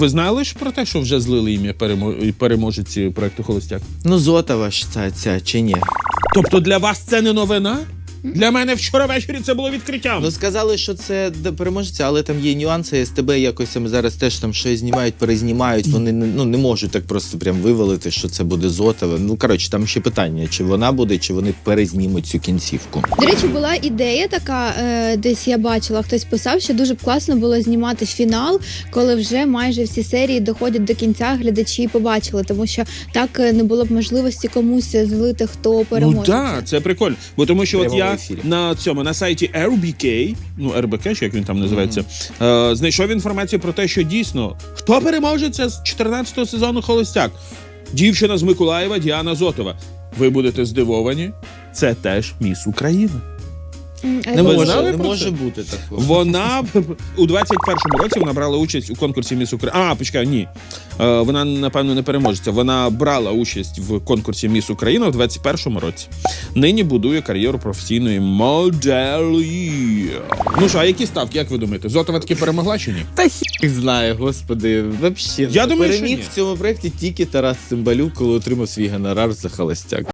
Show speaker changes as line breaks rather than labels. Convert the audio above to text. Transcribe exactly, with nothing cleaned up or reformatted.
Ви знали ж про те, що вже злили ім'я перемо... переможеці проекту «Холостяк»?
Ну, Зотова ж ця, ця чи ні?
Тобто для вас це не новина? Для мене вчора ввечері це було відкриттям.
Ну, сказали, що це переможця, але там є нюанси. СТБ якось там зараз теж там щось знімають, перезнімають. Вони ну, не можуть так просто прям вивалити, що це буде Зотова. Ну, коротше, там ще питання, чи вона буде, чи вони перезнімуть цю кінцівку.
До речі, була ідея така, е, десь я бачила, хтось писав, що дуже б класно було знімати фінал, коли вже майже всі серії доходять до кінця, глядачі побачили, тому що так не було б можливості комусь злити, хто переможе.
Ну так, це прикольно. Бо тому що от я
ефірі.
на цьому, на сайті ар бі кей, ну ар бі кей, чи як він там називається, mm-hmm. е, знайшов інформацію про те, що дійсно, хто переможе, це з чотирнадцятого сезону «Холостяк». Дівчина з Миколаєва Діана Зотова. Ви будете здивовані, це теж міс України.
Не
Ви
може,
знали
не
про
може
це?
бути такого.
Вона у двадцять першому році вона брала участь у конкурсі «Міс Україна». А, почекай, ні. Е, вона, напевно, не переможеться. Вона брала участь в конкурсі «Міс Україна» у двадцять першому році. Нині будує кар'єру професійної моделі. Ну що, а які ставки, як ви думаєте? Зотова таки перемогла чи ні?
Та хі знає, господи, вообще.
Я думаю, що
переміг
ні.
в цьому проєкті тільки Тарас Цимбалюк, коли отримав свій гонорар за «Холостяк».